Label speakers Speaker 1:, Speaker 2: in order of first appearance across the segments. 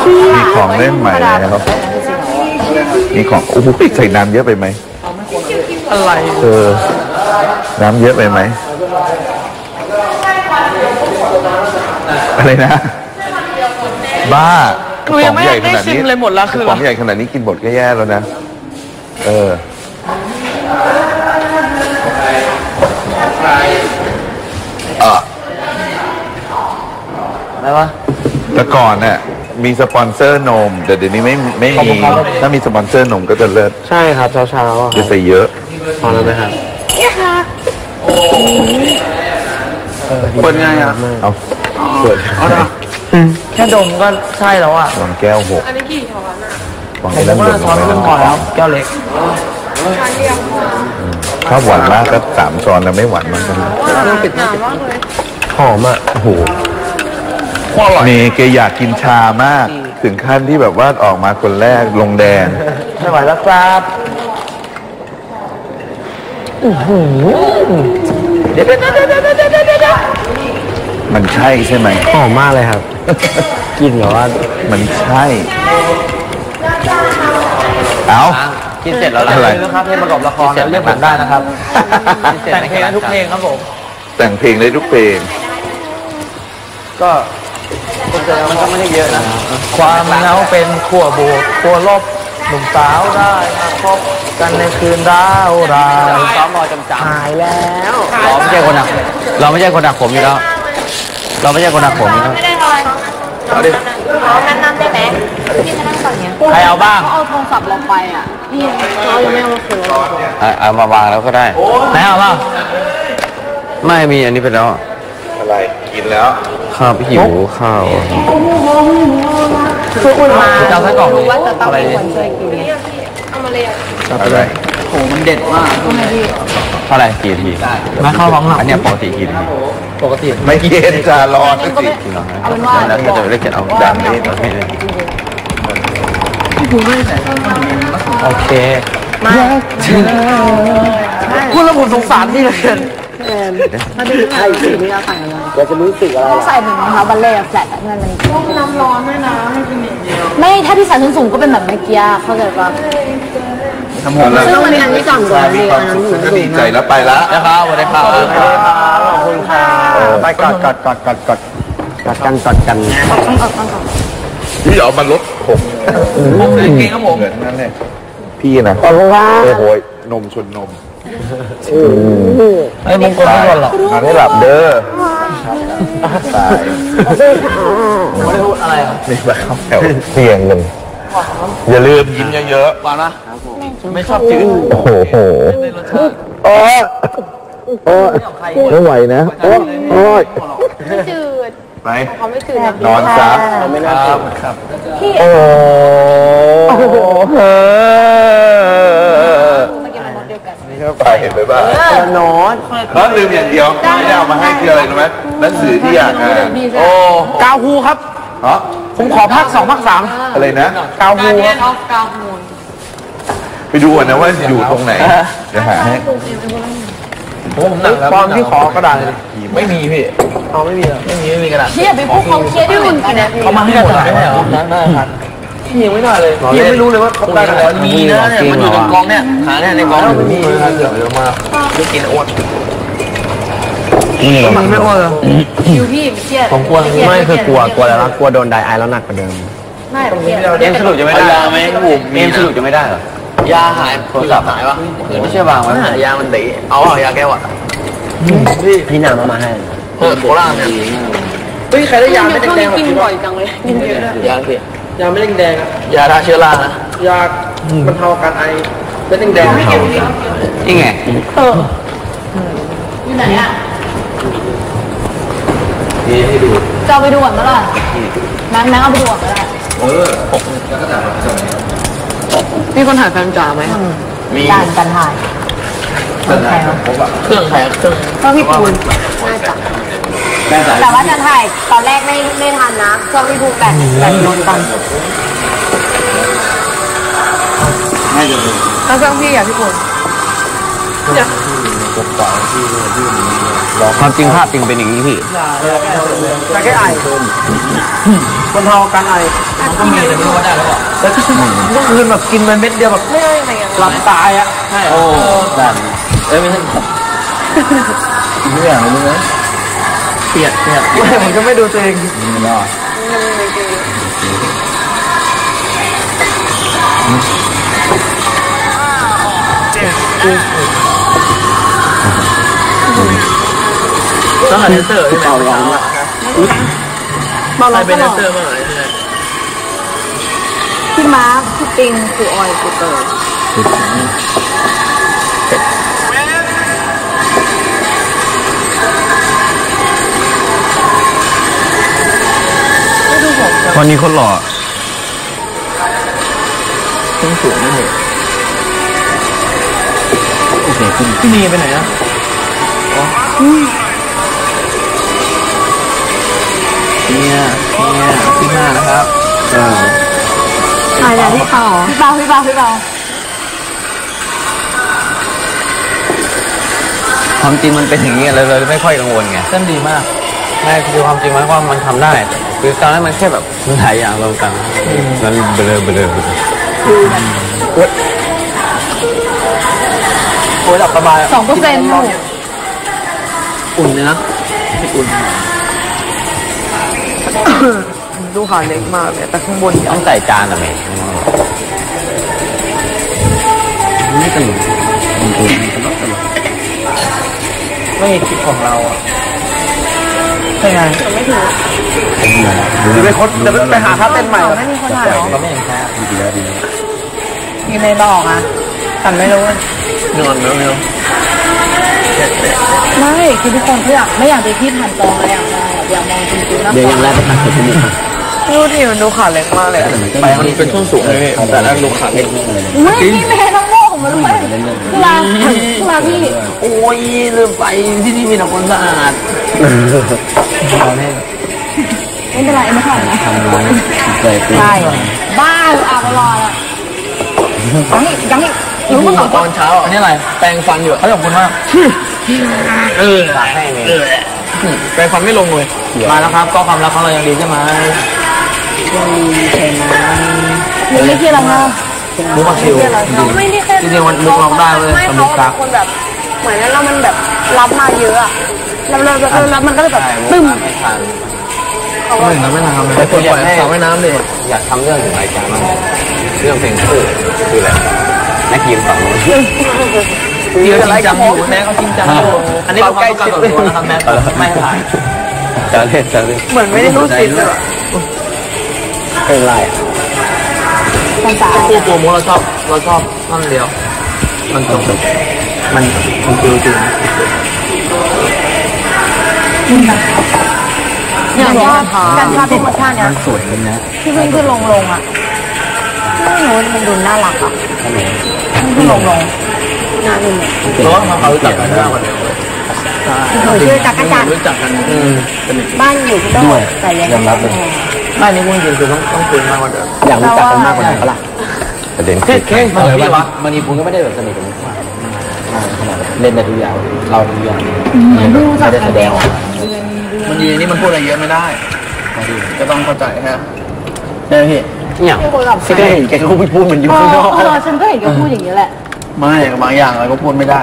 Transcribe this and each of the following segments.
Speaker 1: มีของเล่นใหม่แล้วมีของโอ้โหใส่น้ำเยอะไปไหม
Speaker 2: อะไร
Speaker 1: น้ำเยอะไปไหมอะไรนะบ้า
Speaker 2: หนูยังไม่ได้ชิมเลยหมดละคือ
Speaker 1: ของใหญ่ขนาดนี้กินหมดก็แย่แล้วนะ
Speaker 2: อะไรวะ
Speaker 1: แต่ก่อนเนี่ยมีสปอนเซอร์นมแต่เดี๋ยวนี้ไม่มีถ้ามีสปอนเซอร์นมก็จะเลิศ
Speaker 2: ใช่ครับเช้า
Speaker 1: จะใส่เยอะ
Speaker 2: พอแล้วไหมครับเปิดง่ายอ่ะ
Speaker 1: เอาเปิด
Speaker 2: แค่ดมก็ใช่แล้วอ่ะ
Speaker 1: วางแก้ว6
Speaker 3: อันนี้กี่ช้อนอ่ะ
Speaker 1: วางไอ้นั่น
Speaker 2: ช้อนนึงพอแล้วแก้วเล็ก
Speaker 1: ถ้าหวานมากก็3 ช้อนแล้วไม่หวานมากก็
Speaker 3: หนามากเลย
Speaker 2: หอมอ่ะโอ้โห
Speaker 1: นี่แกอยากกินชามากถึงขั้นที่แบบว่าออกมาคนแรกลงแดง
Speaker 2: ไม่ไหวแล้วครับเดี๋ยว
Speaker 1: มันใช่ใช่ไหม
Speaker 2: หอมมากเลยครับกินเหรอว่า
Speaker 1: มันใช่เอา
Speaker 2: กินเสร็จแล้วอะไรนะครับเพลงประกอบละครเรียกผมได้นะครับแต่งเพลงได้ทุกเพลงครับผม
Speaker 1: แต่งเพลงได้ทุกเพลง
Speaker 2: ก็มันก็ไม่ได้เยอะนะความเหงาเป็นขั้วบวกขั้วลบหนุ่มสาวได้มาพบกันในคืนร้าวรายซ้อมรอจำหายแล้วเราไม่ใช่คนหนักผมอยู่แล้วเราไม่ใช่คนหนักผมอยู่แล้ว
Speaker 3: ไม่ได้ทอยเอาดินั่นได้ไหมพี่จะนั่งก่อนเนี้ย
Speaker 2: ใครเอาบ้าง
Speaker 3: เขาเอาโทรศัพท์เราไปอ่ะพี่เรายังไม่เอามาคืน
Speaker 2: เอามาวางแล้วก็ได้ไหนเอาบ้างไม่มีอันนี้ไปแล้ว
Speaker 1: อะไรกินแล้ว
Speaker 2: ข้าวหิวข้าว
Speaker 3: คืออุ่นมา
Speaker 2: จะใส่กล่อง
Speaker 3: รู้ว่าจะต้องมีคนช่วยกินเอามาเลย
Speaker 1: อะไร
Speaker 2: โอ้มันเด็ดมากเท่าไหร่กี่ทีไม่เข้าร้องหลังอันนี้ปกติกี่ทีปกติ
Speaker 1: ไม่เย็นจะร้อนสิ
Speaker 3: แล้ว
Speaker 2: ก็จะเรียกเก็บเอา
Speaker 1: ดังนี้
Speaker 2: โอเคมาคุณแล้วผมสงสารที่เหลือเกิน
Speaker 3: มาดูไอ้สีนี้เราใส่อะไร
Speaker 2: เราจะรู้สึกอะไร
Speaker 3: ใส่เหมือนนะคะบัลเล่แฟลตนั่นเลยน้ำร้อนด้วยนะไม่ถ้าที่ใส่สูงก็เป็นแบบเมื่อกี้เข้าใจปะซึ่งวันนี้อันที่ก่อนก่อนเลยอันนั้นหนู
Speaker 1: ก็ดีใจแล้วไปละ
Speaker 2: นะครับสวัสดีครับขอบคุณค่ะไปกอดกัน
Speaker 1: พี่เอามาลดผม
Speaker 2: เก่งครับผม
Speaker 1: เหมือนนั่นเลยพี่นะ
Speaker 2: ขอบคุณครับ
Speaker 1: โอ้โหนมชนนม
Speaker 2: ไอ้มงคลไม่หมดหรอก
Speaker 1: มาให้หลับเด้อตาย
Speaker 2: ไม่ได้พูดอะไร
Speaker 1: นี่แบบเข้าแถวเพียงหนึ่งอย่าลืมยิ้มเยอะ
Speaker 2: ๆฟังนะไม่ชอบจืด
Speaker 1: โอ้โหโอ้ไม่ไหวนะโอ้ย
Speaker 3: ไม่จืด
Speaker 1: ไป
Speaker 3: เขาไม่จืด
Speaker 1: นอนซะ
Speaker 2: ไม่น่าจืดครับ
Speaker 1: โอ้นี่ก็ไปเห็นเลยบ้าง
Speaker 2: นอน
Speaker 1: แล้วลืมอย่างเดียวไม่ได้เอามาให้คืออะไรรู้ไหมหนังสือที่อยากอ่าน
Speaker 2: โอ้กาวฮูครับผมขอภาค2ภาค3
Speaker 1: อะไรนะ
Speaker 2: กาวฮู
Speaker 1: ไปดูก่อนนะว่าอยู่ตรงไหนจะหาให้
Speaker 2: ผมหนักแล้วตอนที่ขอกระดาษไม่มีพี่เขาไม่มีกระดาษ
Speaker 3: พี่อย่าไปพูดเขาเครียดที่อุ่นกินนะ
Speaker 2: เขามาให้กระดาษไม่เหรอได้ครับพี่ยังไม่ได้เลยพี่ไม่รู้เลยว่าเขาได้อะไรมีนะเนี่ยมันอยู่ในกองเนี่ยหาเนี่ยในกองมันมีเยอะมากไม่กินอ้วนมันไม่อ้วน
Speaker 3: อยู่พี่เครียด
Speaker 2: ผมกลัวไม่คือกลัวอะไรนะกลัวโดนไดไอแล้วหนักกว่าเดิม
Speaker 3: ไม่
Speaker 2: เอ็มสรุปจะไม่ได้ยาไหมเอ็มสรุปจะไม่ได้เหรอยาหายโทรศัพท์หายวะไม่ใช่วางไว้ยามันตีเอายาแก้วอ่ะพี่นำมาให้โคราชเนี่ยเฮ้ยใครได้ยาไม่แดง
Speaker 3: กินบ่อยจังเลยกินเยอะ
Speaker 2: ยาพี่ยาไม่แดงยาฆ่าเชื้อรานะยาบรรเทาอาการไอไม่แดงนี่ไง
Speaker 3: อยู่ไหนอ่ะ
Speaker 2: นี่ให้ดู
Speaker 3: จะเอาไปดูก่อนเมื่อไหร่นั่งเอาไปดูก่อนเมื่อไหร่
Speaker 2: แล้วก็ถ่าย
Speaker 3: มีคนถ่ายแฟนจ๋าไหม
Speaker 2: มี
Speaker 3: การถ่าย
Speaker 2: เครื่องถ่ายเครื่อง
Speaker 3: พี่ปูนน่าจะแต่ว่าจะถ่ายตอนแรกไม่ทันนะเครื่องพี่ปูแบตโดนกัน
Speaker 2: น่าจะเป็น
Speaker 3: แล้วเครื่องพี่อ่ะพี่ปูน
Speaker 2: ความจริงภาพจริงเป็นอย่างนี้พี่แต่แค่ไอคนเทาการไอก็มีแต่ไม่รู้ว่าได้หรือเปล่าแต่เมื่อคืนแบบกินมันเม็ดเดียวแบบหลับตายอ่ะใช่โอ้แบบไม่ใช่ไม่อย่างนี้ไหมเปียกผมก็ไม่ดูตัวเองไม่รอดต้องหาเดนเซอร์ที่เบาร้อนละเบาร้อนเป็นเดนเซอร์เมื่อไหร่
Speaker 3: พี่มาร์คพี่ปิงคือออยคือเตย
Speaker 1: วันนี้คนหล่อ
Speaker 2: ต้องสูงไม่เหรอโอเคพี่นีไปไหนอ่ะเนี่ยที่ห้านะครับ
Speaker 3: ถ่ายแล้วพี่เปาพี่เปา
Speaker 2: ความจริงมันเป็นอย่างนี้เราเลยไม่ค่อยกังวลไงเส้นดีมากแม่คือความจริงมันว่ามันทำได้คือตอนนั้นมันแค่แบบมันหลายอย่างรวมกันมันเบลอโอ้ยหลับสบาย
Speaker 3: 2%
Speaker 2: อุ่นเลยนะอุ่นดูขาเล็กมากเลยแต่ข้างบนต้องใส่จานอะแม่ไม่ตลกไม่คิดของเราอ่ะใช่ไงไม่ถูกไปค้นจะไปหาท่าเต้นใหม่
Speaker 3: ไม่มีคนถ่ายหรอ
Speaker 2: เราไม่เห็นแค่ดีแล้ว
Speaker 3: มีในบอกอ่ะแต่ไม่รู้
Speaker 2: นอนไม่รู้
Speaker 3: ไม่คือทุกคนไม่อยากไปที่ผ่านจออะไรอยากมองจริงๆนะ
Speaker 2: เดี๋ยวยังแรกไปผ่านจุดนี้ดูดิมันดูขาเล็กมากเลยไปมันเป็นช่วงสูงเลยแต่แล้วดูขาเล็ก
Speaker 3: จริงพี่แม่ต้องโง่ของมันด้วยเวลาพี่
Speaker 2: โอ้ยลืมไปที่นี่มีแต่คนสะอาด
Speaker 3: ไม่เป็นไรไม่ทำนะใช่บ้าอาบรอละยังรู้มาก่อน
Speaker 2: ตอนเช้าอันนี้อะไรแปรงฟันอยู่เขาขอบคุณมากแปรงฟันไม่ลงเลยมาแล้วครับก็ความรักของเรายังดีใช่ไหม
Speaker 3: นี่ที่เราเนาะ
Speaker 2: มุกมาคิวจริงๆมันมุกร้องได้เลย
Speaker 3: ไม่เขาเป็นคนแบบเหมือนนั้นเรามันแบบรับมาเยอะอะแล้วมันก็เลยแบบตึ้ม
Speaker 2: เขาไม่ทำเลยตัวใหญ่สาวว่ายน้ำเลยอยากทำเรื่องถึงรายการมั้งเรื่องเพลงคู่คืออะไรนักยิมฝั่งนู้นเดี๋ยวจริงจังอยู่แม่เขาจริงจังอยู่อันนี้เราใกล้ชิดเลยนะครับแม่ไม่ถ่ายจะเล่นเหมือนไม่ได้รู้สิเลยเป็นไรคู่โปรโมเราชอบนั่นเดียวมันจบมันจริง
Speaker 3: อย่างว่าการภาพโปรโมชั่นเนี่ย
Speaker 2: มันสวยเลยนะ
Speaker 3: ที่ขึ้นลงอ่ะไม่รู้มันดูน่ารักอ่ะขึ้นลงน่าดู
Speaker 2: เพราะว่าเขารู้จักกันมากกว่าเดิม
Speaker 3: ชื่อจักรจันทร์
Speaker 2: รู้จักกัน
Speaker 3: บ้านอยู่ที่ด้วยแต่ยังรับเลย
Speaker 2: บ้านนี้พูดจริงคือต้องคุยมากกว่าเดิม
Speaker 1: อยากรู้จักกันมากกว่าเดิมก็ล่ะ
Speaker 2: ประเด็นแค่มาเลยว่ามันนี่ผมก็ไม่ได้แบบสนิทกันมากเล่นได้ทุกอย่างเราทุกอย่างไม่ได้แสดงมันดีนี่มันพูดอะไรเยอะไม่ได้ก็ต้องเข้าใจครับได้พี่เนี่ยที่ได้เห็นแกก็พูดมันอยู่ข้างนอก
Speaker 3: ฉันก็เห็นแกพูดอย่างนี้แหละ
Speaker 2: ไม่บางอย่างอะไรก็พูดไม่ได้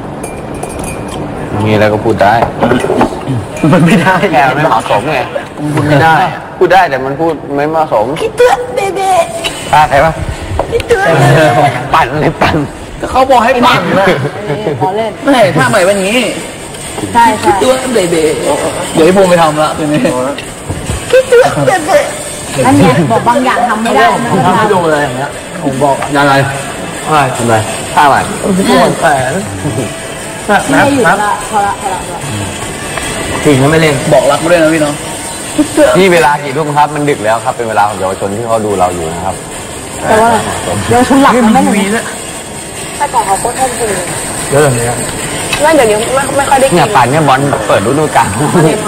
Speaker 2: มีอะไรก็พูดได้มันไม่ได้แกไม่เหมาะสมไงพูดไม่ได้พูดได้แต่มันพูดไม่เหมาะสม
Speaker 3: คิดเตือนเบๆ
Speaker 2: ใครวะคิดเตือนปั่นเลยปั่นเขาบอกให้ปั่นนะ
Speaker 3: ขอเล่น
Speaker 2: ไม่ถ้าใหม่วันนี้
Speaker 3: ใช่
Speaker 2: คิดเตือนเบๆเดี๋ยวให้ภูมิไปทำละทีนี้
Speaker 3: คิดเตือนเบๆอันนี้บอกบางอย่างทำไม่ได้
Speaker 2: ผมทำให้ดูเลยอย่างเงี้ยผมบอกอะไรทำไมท่าอะไรปวดแขน
Speaker 3: ไม่หยุดละพอละ
Speaker 2: ถึงแล้วไม่เล่นบอกรักด้วยนะพี่น้องที่เวลากี่ทุ่มครับมันดึกแล้วครับเป็นเวลาของเยาวชนที่เขาดูเราอยู่นะครับ
Speaker 3: แต่ว่าเยาวชนหลักมันไม่มีนะแต่ก่อนเขาโคตรชอบดู
Speaker 2: เยอะเลย
Speaker 3: ไม่เดี๋ยวนี้ไม่ค่อยได้กิน
Speaker 2: เนี่ยป่านเนี่ยบอลเปิดฤดูกาล
Speaker 3: วันนี้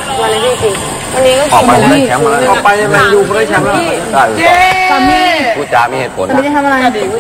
Speaker 3: จริงวันนี้ก็
Speaker 2: ออกไปได้แชมป์แล้วออกไปแมนยูได้แชมป์แล้ว
Speaker 3: ตอนนี้
Speaker 4: จ้ามีเหตุผล
Speaker 3: ไม่ได้ทำอะไร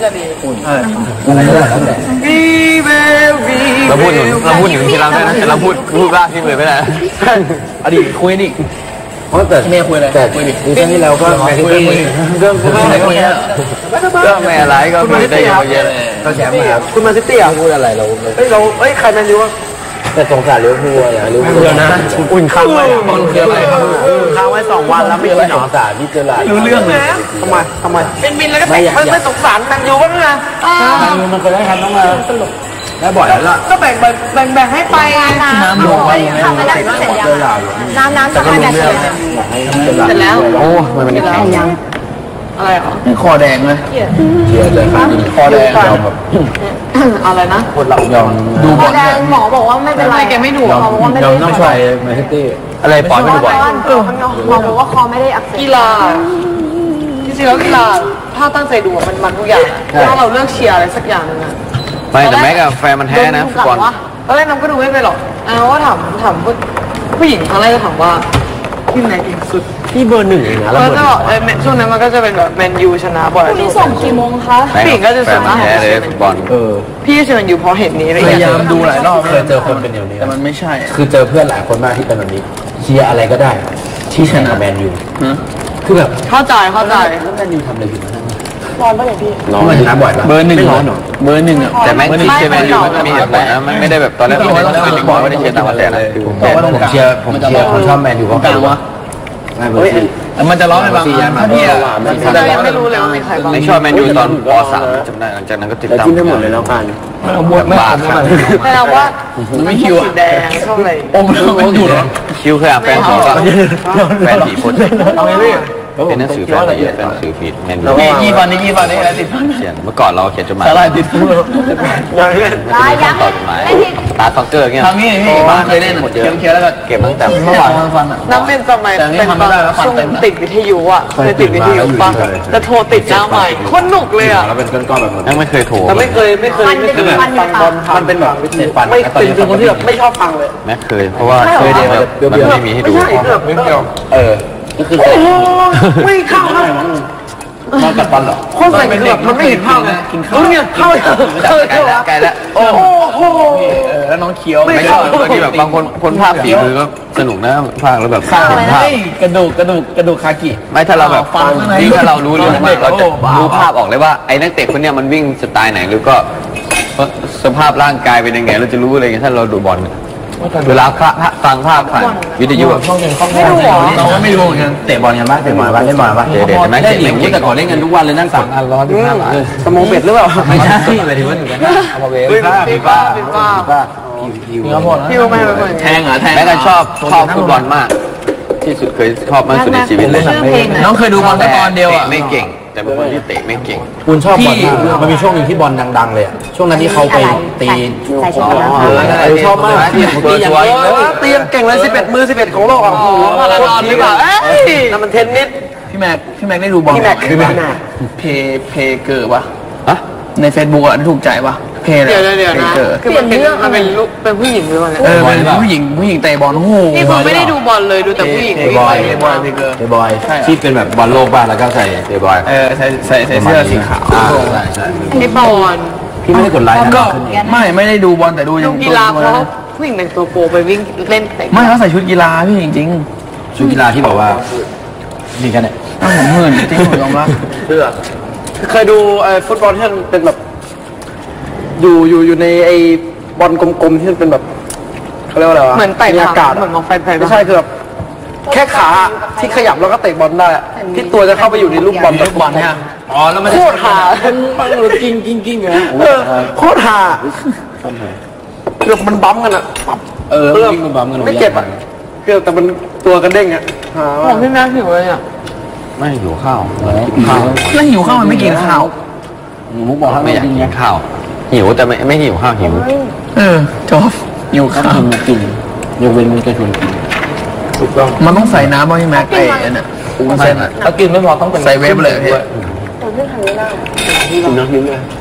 Speaker 4: เราพูดถึงที่เราได้นะแต่เราพูดบ้าที่เลยไม่ได้
Speaker 2: อดีตคุยนี่แต่เมียคุยอะไรแต่คุยดิซีซั่นที่แล้วก็แมนซิตี้เรื่อง
Speaker 4: ไม่อะไรก็ไม่ได้เยอะแยะ
Speaker 2: เราแชมป์มาคุณแมนซิตี้อ่ะพูดอะไรเราใครแมนยูวะแต่สงสารลิเวอร์พูลอ่ะลิเวอร์พูลนะอุ่นค้างไว้บอลคืออะไรค้างไว้2 วันแล้วไม่ได้หนอสารที่เจอหลายรู้เรื่องเลยทำไมเป็นบินแล้วก็ไม่สงสารแมนยูบ้างนะแมนยูมันเคยได้ทำต้องมาสรุปได้บ่อยแล้วล่ะก็แบ่งให้ไปน้ำลงไปทำไม่ได้เสร็จยังน้ำจะมาแบบเสร็จแล้ว
Speaker 4: โอ้มันแข็งยัง
Speaker 3: อะไรหรอ
Speaker 2: คอแดงเลยเชียร์เลยคอแดงยอมแบบ
Speaker 3: อะไรนะ
Speaker 2: คนเรายอมดูบอล
Speaker 3: หมอบอกว่าไม่เป็นไรแกไม่ดูหมอบอกว่าไม่ได้
Speaker 2: น้องชายแมนซิตี้อะไรปล่อยไม่ดูบอล
Speaker 3: หมอบอกว่าคอไม่ได้อักเสบ
Speaker 5: กีฬาจริงๆแล้วกีฬาถ้าตั้งใจดูมันทุกอย่างถ้าเราเลือกเชียร์อะไรสักอย่างนึงอะ
Speaker 4: ไม่แต่แม็กกับแฟนมันแท้นะฟุตบอล
Speaker 5: ตอนแรกน้ำก็ดูไม่ไปหรอกว่าถามผู้หญิงครั้งแรกก็ถามว่าทีมไหนเก่งสุด
Speaker 2: พี่เบอร์ 1เองนะ
Speaker 5: แล้วก็ช่วงนั้นมันก็จะเป็นแบบแมนยูชนะบ่อย
Speaker 3: พี่ส่งกี่โมงคะ
Speaker 5: ผู้หญิงก็จะส่ง
Speaker 4: แท้เลยฟุตบอล
Speaker 5: พี่เชียร์แมนยูเพราะเห็นนี้
Speaker 2: พยายามดูหลายรอบเคยเจอคนเป็นอย่างนี้แต่มันไม่ใช่คือเจอเพื่อนหลายคนมากที่เป็นแบบนี้เชียร์อะไรก็ได้ที่ชนะแมนยูคือแบบ
Speaker 5: เข้าใจ
Speaker 2: แล้วแมนยูทำอะไรผิดนะ
Speaker 5: ร้อนป่ะเนี่ยพี่
Speaker 2: ร้อนชนะบ่อยป่ะเบอร์ 1ไม่ร้อนหรอเบอร์ 1อ่ะ
Speaker 4: แต่แม็กที่เชียร์แมนยูมันมีเหตุผลนะมันไม่ได้แบบตอนแรกไม่ได้เชียร์ตามกระแสนะ
Speaker 2: ผมเชียร์ผมชอบแมนยูเพราะกลางวะมันจะร้อนไหมบางพี่
Speaker 5: ไม่รู้เลยว่ามีใครบ้าง
Speaker 4: ไม่ชอบแมนยูตอนป .3 จำได้หลังจากนั้นก็ติดตาม
Speaker 2: จิ้มได้หมดเลยแล้วกัน
Speaker 4: ไม่
Speaker 5: แต่เราว่า
Speaker 2: ไม่คิว
Speaker 5: แดงชอบอะไร
Speaker 2: อมอยู่เหรอ
Speaker 4: คิวเคยอ่านแฟนผีป่ะแฟนผีคน
Speaker 2: เอาไงพี่
Speaker 4: เป็นหนังสือแฟนผีเป็นหนังสือผีแมนยู
Speaker 2: กี่ฟันนี่อะไรติด
Speaker 4: เขียนเมื่อก่อนเราเขียนจดหมาย
Speaker 2: อะไรติดพูด
Speaker 4: ยังต่อจดหมายตาซ็อกเกอร์เงี้ย
Speaker 2: ทำงี้พี่บ้านเคยเล่นเคี้ยวแล้วก็
Speaker 4: เก็บตั้งแต่
Speaker 2: เมื่อวานฟัน
Speaker 5: น้ำเป็นสมัยเป็นตอนช่วงติดวิทยุอ่ะเคยติดวิทยุป่ะจะโทรติดหน้าใหม่คนหนุกเลยอ่ะ
Speaker 2: แล้วเป็นก้อนๆแบบ
Speaker 4: นั้นไม่เคยโทร
Speaker 5: แต่ไม่เคย
Speaker 2: มันเป็นแบบเน็ตฟัน
Speaker 5: ไม่เป็นคนที่แบบไม่ชอบฟังเลย
Speaker 4: แม่เคยเพราะว่าเคยเดียวมันไม่มีให้ดู
Speaker 2: ก็คือ
Speaker 5: ไม่เข้า
Speaker 2: นอนกัดฟันหรอ
Speaker 5: คนใส่คือแบบมันไม่เห็นภาพเลย
Speaker 2: กินข้าว
Speaker 5: เนี่ยเข้า
Speaker 4: ไกลแล้ว
Speaker 5: โอ้โห
Speaker 2: แล้วน้องเคี้ยว
Speaker 4: ไม่ชอบบางทีแบบบางคนภาพฝีมือก็สนุกนะภาคแล้วแบบภาพ
Speaker 2: กระดูกคากิ
Speaker 4: ไม่ถ้าเราแบบยิ่งถ้าเรารู้เรื่องมากเราจะรู้ภาพออกเลยว่าไอ้นักเตะคนเนี้ยมันวิ่งสไตล์ไหนหรือก็สภาพร่างกายเป็นยังไงเราจะรู้อะไรเงี้ยถ้าเราดูบอลเวลาฟังภาพผ่านวิทยุ
Speaker 5: ไม่ดูหรอ
Speaker 2: เราไม่ดูเหมือนกันเตะบอลกันบ้างเตะบอลบ้างเล่นบอลบ้าง
Speaker 4: เด็ดไหม
Speaker 2: เตะหลิงแต่ก่อนเล่นกันทุกวันเลยนั่งสั่ง115 บาทสมองเป็ดหรือเปล่าไม่ใช่หมายถึงว่าเอามาเวฟ
Speaker 5: ฟีฟ่าพี่ว่าไม่เป็น
Speaker 2: แทงเหรอแทง
Speaker 4: แม่กันชอบฟุตบอลมากที่สุดเคยชอบมากสุดในชีวิตเลย
Speaker 2: น้องเคยดูบอลแต่ตอนเดียวอ่ะ
Speaker 4: ไม่เก่งแต่เป็นคนที่เตะไม่เก่ง
Speaker 2: คุณชอบบอลมันมีช่วงนึงที่บอลดังๆเลยช่วงนั้นที่เขาไปตีชอบมาก
Speaker 5: ตีอย่างนี้ตีเก่งเลย11 มือ 11ของโลกอ่ะโอ้โหมาราธอนหรือเปล่านั่นมันเทนนิส
Speaker 2: พี่แม็กได้ดูบอลเพเกอร์ป่ะใน Facebook อ่ะถูกใจป่ะเพ
Speaker 5: เดี๋ยวนะคือมันเป็นลูกเป็นผู้หญิงด้วย
Speaker 2: เป็นผู้หญิงเตะบอลโอ้โห
Speaker 5: นี่ผมไม่ได้ดูบอลเลยดูแต่ผู้หญิง
Speaker 2: บอยที่เป็นแบบบอลโลกบ้างแล้วก็ใส่เตะบอยใส่เสื้อสีขาว
Speaker 5: ใช่ไอ้บอล
Speaker 2: พี่ไม่ได้กดไลค์ก็ไม่ได้ดูบอลแต่ดู
Speaker 5: กีฬาเพราะผู้หญิงแต่งตัวโปไปวิ่งเล่น
Speaker 2: ไม่เขาใส่ชุดกีฬาพี่จริงชุดกีฬาที่บอกว่านี่กันเนี่ยผมเหินจริงผมยอมรับ
Speaker 5: เคยดูฟุตบอลที่เป็นแบบอยู่ในไอ้บอลกลมๆที่มันเป็นแบบเขาเรียกว่าอะไรวะเหมือนไต่อากาศเหมือนมองไฟไม่ใช่คือแบบแค่ขาที่ขยับแล้วก็เตะบอลได้ที่ตัวจะเข้าไปอยู่ในลูกบอล
Speaker 2: เนี่ยอ๋อแล้วมัน
Speaker 5: โคตรหา
Speaker 2: ปังกิ้งอยู่นะ
Speaker 5: โคตรหาเกือบมันบั๊มกันอ่ะ
Speaker 2: มันบั๊มกัน
Speaker 5: ไม่เจ็บอ่ะเกือบแต่มันตัวกันเด้งอ่ะผมพี่แม่หิวเลยอ่ะ
Speaker 4: ไม่หิวข้าว
Speaker 2: ไม่หิวข้าวมันไม่กินข้าว
Speaker 4: มุกบอกไม่อยากกินข้าวหิวแต่ไม่หิวข้าวหิว
Speaker 2: จบหิวข้าวกินยกเว้นมันจะชวนกินถูกต้องมันต้องใส่น้ำบ้างใช่ไหมไอ้เนี่ยมันใส่ถ้ากินไม่พอต้องเป็นใส่เวฟเลยพี่
Speaker 5: เรื่องทำนี้ได้
Speaker 2: กินน้ำกินเลย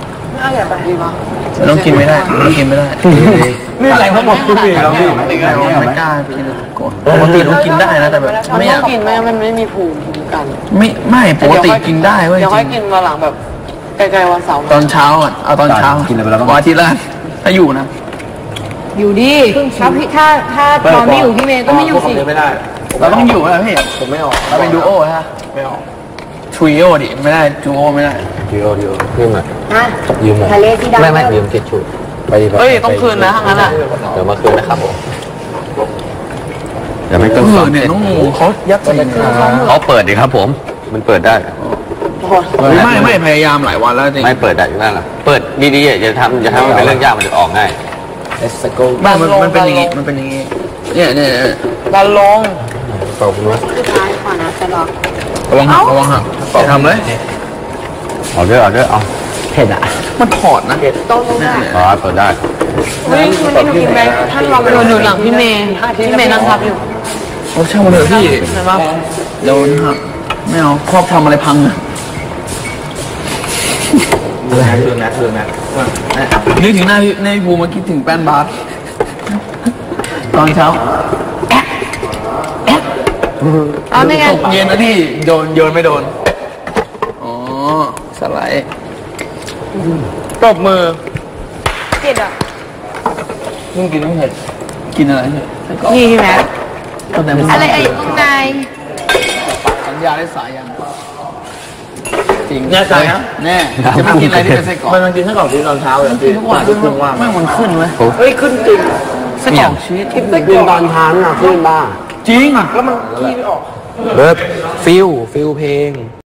Speaker 2: ต้องกินไม่ได้ต้องกินไม่ได้
Speaker 5: นี่อะไรทั้งหมดคุณพี่เราพี่
Speaker 2: ไม่กล้ากินปกติต้องกินได้นะแต่แบบไม่อยาก
Speaker 6: กินไม่มันไม่มีภูมิคุ้มกัน
Speaker 2: ไม่ปกติกินได้เว้ย
Speaker 6: เดี๋ยวค่อยกินมาหลังแบบไกลๆวันเสาร์
Speaker 2: ตอนเช้าอ่ะเอาตอนเช้ากินอะไรไปแล้ววันอาทิตย์ละถ้าอยู่นะ
Speaker 3: อยู่ดิถ้าตอนไม่อยู่พี่เมย์ก็ไม่อยู่สิ
Speaker 5: ไม่ได้
Speaker 2: เราต้องอยู่นะพี่
Speaker 5: ผมไม่ออก
Speaker 2: เราเป็นดูโอฮะ
Speaker 5: ไม่ออก
Speaker 2: ทริโอดิไม่ได้ดูโอไม่ได้
Speaker 4: ยืมอ่ะ
Speaker 3: ฮะ
Speaker 4: ยืมหมด
Speaker 3: ทะเลที่ดำ
Speaker 4: ไม่ยืมทิชชู่ไปดี
Speaker 6: เฮ้ยต้องคืนนะทั้งนั้นอ่ะ
Speaker 4: เดี๋ยวมาคืนนะครับผมอย่าไม่เกิน
Speaker 2: เนี่ยน้องงูเขายัดใส่
Speaker 4: เขาเปิดดิครับผม มันเปิดได้
Speaker 2: ไม่พยายามหลายวันแล้วจริง
Speaker 4: ไม่เปิดได้อยู่นั่นแหละเปิดดีๆอย่าทำมันเป็นเรื่องยากมันจะออกง่าย
Speaker 2: บ้านมันเป็นอย่างงี้มันเป็นอย่างงี้เนี่ย
Speaker 6: ดันลง
Speaker 3: สุดท้ายขอนะจะรอ
Speaker 2: ระวังหักจะทำเลย
Speaker 4: เอาด้วยเอาเผ็ดอ่ะ
Speaker 2: มันถอดนะ
Speaker 3: โต๊ะนู้นอ่ะ
Speaker 4: อ๋อเปิดได้
Speaker 6: วันนี้หนูกินไหมท่านรอไปหนูหลังพี่เมย์นั่งทับอยู่
Speaker 2: โอ้ช่างมันเถอะพี่โดนหักไม่เอาครอบทำอะไรพังอะนึกถึงหน้าพี่ภูมิมาคิดถึงแป้นบาสตอนเช้า
Speaker 3: เอาไม่ไง
Speaker 2: ตกเย็นนะพี่โยนไม่โดนอ๋อสไลด์ตบมือ
Speaker 3: เผ็ดอ่ะ
Speaker 2: มึงกินไม่เผ็ดกินอะไรเผ็ด
Speaker 3: นี่พี่แม็ก
Speaker 2: ตั้งแต่มึง
Speaker 3: อะไรไอ้ข้างใน
Speaker 2: สัญญาได้สายยังจริง
Speaker 5: แน่ใจนะ
Speaker 2: แน่จะไม่กินอะไรที่เป็นไส้กรอก
Speaker 5: มันกินไส้กรอกที่ตอนเช้าเลยพี่
Speaker 2: ทุกวันไม่มันขึ้นเว้ย
Speaker 5: เฮ้ยขึ้นจริง
Speaker 2: ไส้กรอกชีส
Speaker 5: กินตอนเช้าน่ะขึ้นบ้าง
Speaker 2: จริงอ่ะ
Speaker 5: แล้วมันขี้ไม่ออก
Speaker 4: ฟิลเพลง